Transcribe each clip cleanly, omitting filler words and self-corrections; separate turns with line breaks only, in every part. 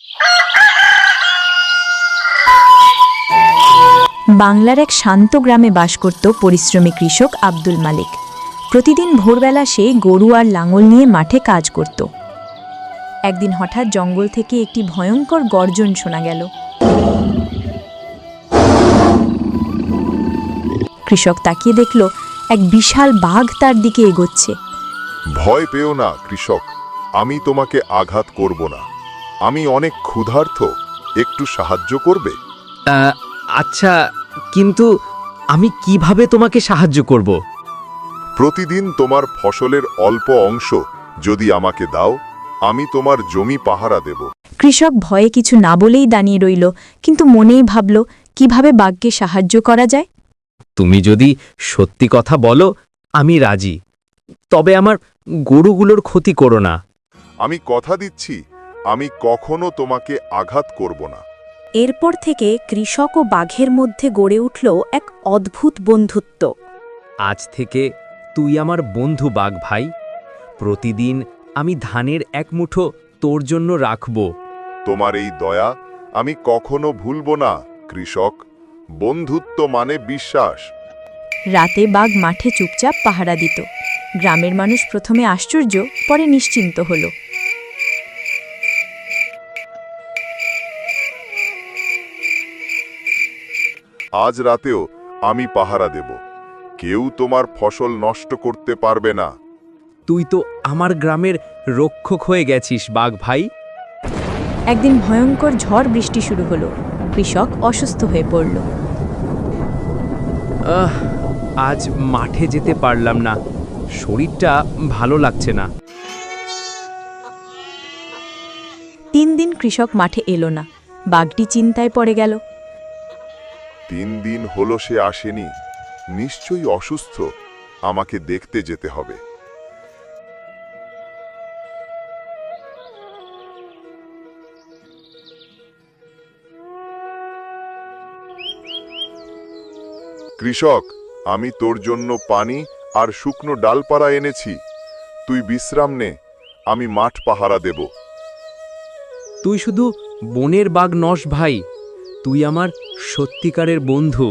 বাংলার এক শান্ত গ্রামে বাস করত পরিশ্রমী কৃষক আব্দুল মালিক। প্রতিদিন ভোরবেলা সে গরু আর লাঙল নিয়ে মাঠে কাজ করত। একদিন হঠাৎ জঙ্গল থেকে একটি ভয়ঙ্কর গর্জন শোনা গেল। কৃষক তাকিয়ে দেখল এক বিশাল বাঘ তার দিকে এগোচ্ছে।
ভয় পেও না কৃষক, আমি তোমাকে আঘাত করব না। আমি অনেক ক্ষুধার্ত, একটু সাহায্য করবে?
আচ্ছা, কিন্তু আমি কিভাবে তোমাকে সাহায্য করব?
প্রতিদিন তোমার ফসলের অল্প অংশ যদি আমাকে দাও, আমি তোমার জমি পাহারা দেব।
কৃষক ভয়ে কিছু না বলেই দাঁড়িয়ে রইল, কিন্তু মনেই ভাবল কিভাবে বাঘকে সাহায্য করা যায়।
তুমি যদি সত্যি কথা বলো, আমি রাজি। তবে আমার গরুগুলোর ক্ষতি করো না।
আমি কথা দিচ্ছি, আমি কখনো তোমাকে আঘাত করব না।
এরপর থেকে কৃষক ও বাঘের মধ্যে গড়ে উঠল এক অদ্ভুত বন্ধুত্ব।
আজ থেকে তুই আমার বন্ধু বাঘ ভাই। প্রতিদিন আমি ধানের এক মুঠো তোর জন্য রাখব।
তোমার এই দয়া আমি কখনো ভুলব না কৃষক। বন্ধুত্ব মানে বিশ্বাস।
রাতে বাঘ মাঠে চুপচাপ পাহারা দিত। গ্রামের মানুষ প্রথমে আশ্চর্য, পরে নিশ্চিন্ত হল।
আজ রাতেও আমি পাহারা দেব। কেউ তোমার ফসল নষ্ট করতে পারবে না।
তুই তো আমার গ্রামের রক্ষক হয়ে গেছিস বাঘ ভাই।
একদিন ভয়ঙ্কর ঝড় বৃষ্টি শুরু হলো। কৃষক অসুস্থ হয়ে পড়ল।
আজ মাঠে যেতে পারলাম না, শরীরটা ভালো লাগছে না।
3 দিন কৃষক মাঠে এলো না। বাঘটি চিন্তায় পড়ে গেল।
3 দিন হলো সে আসেনি, নিশ্চয়ই অসুস্থ। আমাকে দেখতে যেতে হবে। কৃষক, আমি তোর জন্য পানি আর শুকনো ডালপালা এনেছি। তুই বিশ্রাম নে, আমি মাঠ পাহারা দেব।
তুই শুধু বনের বাঘ নস ভাই, তুই আমার সত্যিকারের বন্ধু।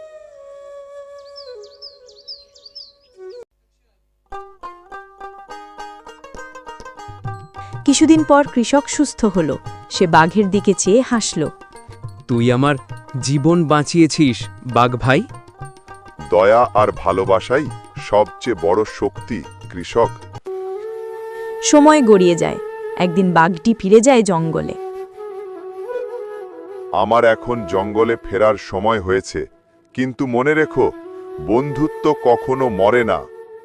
কিছুদিন পর কৃষক সুস্থ হল। সে বাঘের দিকে চেয়ে হাসল।
তুই আমার জীবন বাঁচিয়েছিস বাঘ ভাই।
দয়া আর ভালোবাসাই সবচেয়ে বড় শক্তি কৃষক।
সময় গড়িয়ে যায়। একদিন বাঘটি ফিরে যায় জঙ্গলে।
আমার এখন জঙ্গলে ফেরার সময় হয়েছে, কিন্তু মনে রেখো, বন্ধুত্ব কখনো মরে না।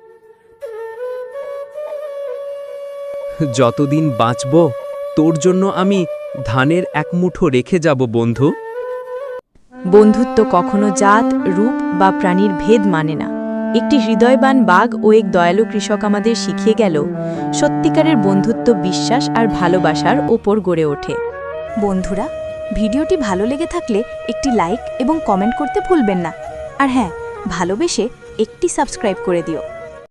যতদিন বাঁচব তোর জন্য আমি ধানের এক মুঠো রেখে যাব বন্ধু।
বন্ধুত্ব কখনো জাত, রূপ বা প্রাণীর ভেদ মানে না। একটি হৃদয়বান বাঘ ও এক দয়ালু কৃষক আমাদের শিখিয়ে গেল, সত্যিকারের বন্ধুত্ব বিশ্বাস আর ভালোবাসার ওপর গড়ে ওঠে।
বন্ধুরা, ভিডিওটি ভালো লেগে থাকলে একটি লাইক এবং কমেন্ট করতে ভুলবেন না। আর হ্যাঁ, ভালোবেসে একটি সাবস্ক্রাইব করে দিও।